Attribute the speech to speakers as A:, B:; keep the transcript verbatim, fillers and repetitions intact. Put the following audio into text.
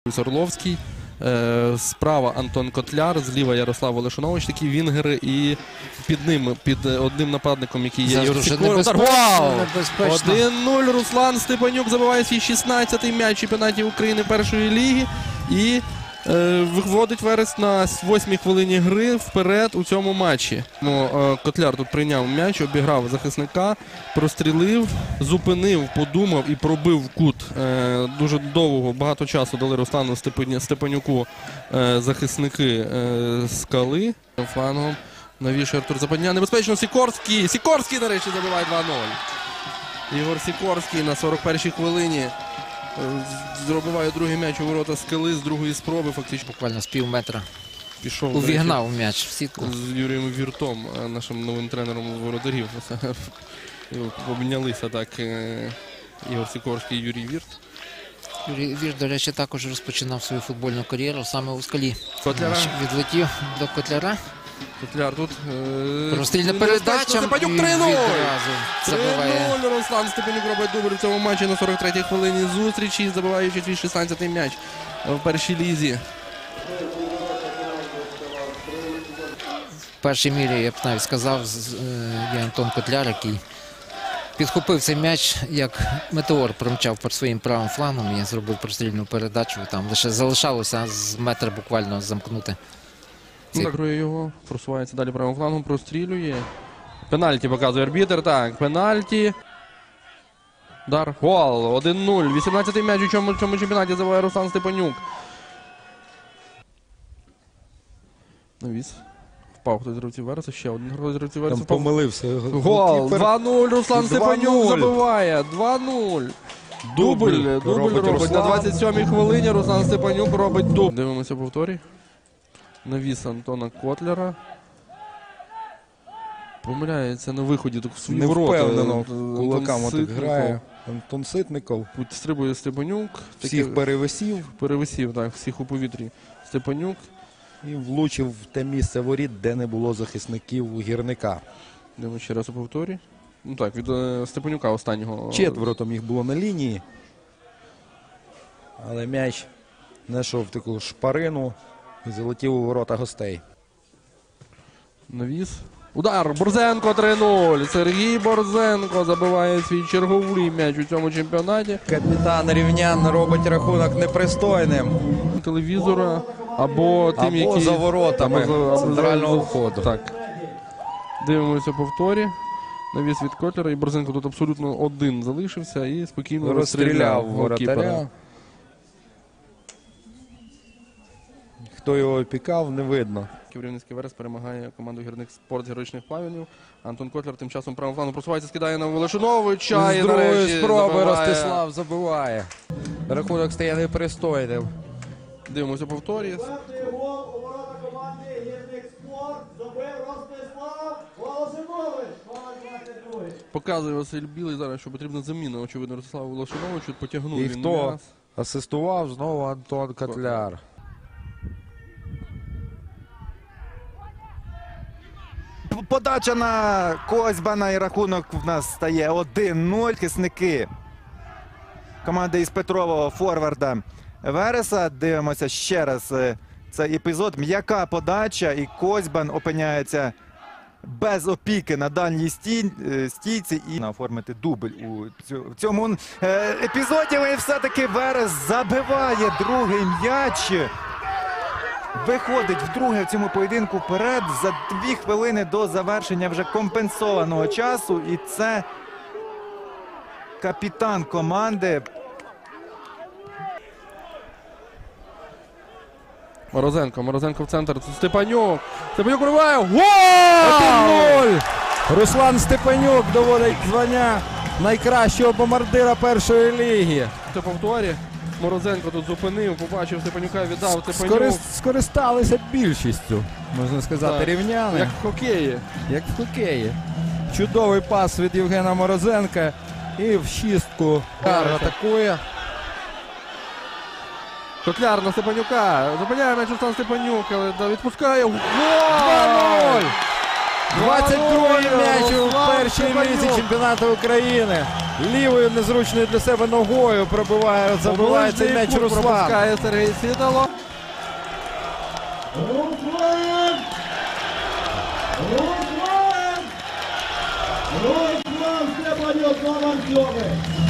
A: Орловський, справа Антон Котляр, зліва Ярослав Волошинович, такі вінгери, і під ним, під одним нападником, який є Ігор Сікорський. один нуль, Руслан Степанюк забиває свій шістнадцятий м'яч в чемпіонаті України першої ліги і е, виводить Верес на восьмій хвилині гри вперед у цьому матчі. Е, Котляр тут прийняв м'яч, обіграв захисника, прострілив, зупинив, подумав і пробив в кут. Е, дуже довго, багато часу дали Руслану Степанюку е, захисники е, Скали. Флангом навішує Артур Западня. Небезпечно Сікорський. Сікорський, нарешті, забиває два нуль. Ігор Сікорський на сорок першій хвилині зробиває другий м'яч у ворота Скали з другої спроби. Фактично
B: буквально з пів метра
A: пішов,
B: увігнав м'яч в сітку.
A: З Юрієм Віртом, нашим новим тренером воротарів. Обмінялися так Ігор Сікорський і Юрій Вірт.
B: Юрій Вірт, до речі, також розпочинав свою футбольну кар'єру саме у Скалі.
A: Котляра.
B: Відлетів до Котляра.
A: Котляр тут.
B: Прострільна передача.
A: Степанюк три нуль. три нуль. Руслан Степанюк робить дубль в цьому матчі на сорок третій хвилині зустрічі, забиваючи свій шістнадцятий м'яч в першій лізі.
B: В першій мірі, я б навіть сказав, є Антон Котляр, який підхопив цей м'яч, як метеор промчав по своїм правим флангом і зробив прострільну передачу. Там лише залишалося з метра буквально замкнути.
A: Закрує його, просувається далі правим флангом, прострілює. Пенальті показує арбітер. Так, пенальті. Удар. Гол. один нуль. вісімнадцятий м'яч у цьому, цьому чемпіонаті забиває Руслан Степанюк. Навіс. Впав хтось з гравців Вереса. Ще один хтось з гравців Вереса.
C: Там помилився.
A: Гол. два нуль. Руслан Степанюк забиває. два нуль. Дубль. Дубль робить, робить. На двадцять сьомій хвилині Руслан Степанюк робить дубль. Дивимося повторі. Навіс Антона Котляра. Помиляється на виході в свої ворота.
C: Невпевнено кулаками так грає. Антон Ситников.
A: Стрибує Степанюк.
C: Всіх таки... перевисів.
A: Перевисів, так, всіх у повітрі. Степанюк.
C: І влучив в те місце воріт, де не було захисників у Гірника.
A: Дивимо ще раз у повторі. Ну так, від е, Степанюка останнього.
C: Четверо там їх було на лінії. Але м'яч знайшов таку шпарину і залетів у ворота гостей.
A: Навіс. Удар. Борзенко три нуль. Сергій Борзенко забиває свій черговий м'яч у цьому чемпіонаті.
C: Капітан Рівнян робить рахунок непристойним.
A: Телевізора або тим,
C: або
A: які...
C: за воротами
A: або за...
C: центрального входу.
A: Так. Дивимося повторі. Навіс від Котлера. І Борзенко тут абсолютно один залишився і спокійно розстріляв воротаря.
C: Хто його опікав, не видно.
A: Рівненський Верес перемагає команду гірник спорт з героїчних плавнів. Антон Котляр тим часом правим флангом просувається, скидає на Волошиновича.
C: З другої спроби Ростислав забиває. Рахунок стає непристойним.
A: Дивимося повторі. Показує Василь Білий зараз, що потрібна заміна, очевидно, Ростиславу Волошиновичу. Потягнув
C: І
A: він
C: хто
A: м'яс.
C: асистував? Знову Антон Котляр.
D: Подача на Козьбана і рахунок в нас стає один нуль. Захисники команди із Петрового форварда Вереса. Дивимося ще раз цей епізод. М'яка подача і Козьбан опиняється без опіки на дальній стій, стійці і оформити дубль у цьому епізоді. І все-таки Верес забиває другий м'яч. Виходить вдруге в цьому поєдинку вперед за дві хвилини до завершення вже компенсованого часу. І це капітан команди.
A: Морозенко. Морозенко в центр. Степанюк. Степанюк вриває. Гол!
C: один нуль! Руслан Степанюк доводить звання найкращого бомбардира першої ліги.
A: Це повторі. Морозенко тут зупинив, побачив Степанюка, віддав Степанюк.
C: Скорист, скористалися більшістю, можна сказати, так, рівняни.
A: Як в хокеї.
C: Як в хокеї. Чудовий пас від Євгена Морозенка. І в шістку атакує.
A: Котляр на Степанюка. Зупиняє м'яч Руслан Степанюк, але відпускає. Гол!
C: два нуль! двадцять другий м'яч у першій лізі чемпіонату України. Лівою незручною для себе ногою пробиває, забиває цей м'яч Руслан.
A: Пропускає Сергій Світало.
E: Руслан! Руслан! Руслан Степанюк, номер сьомий.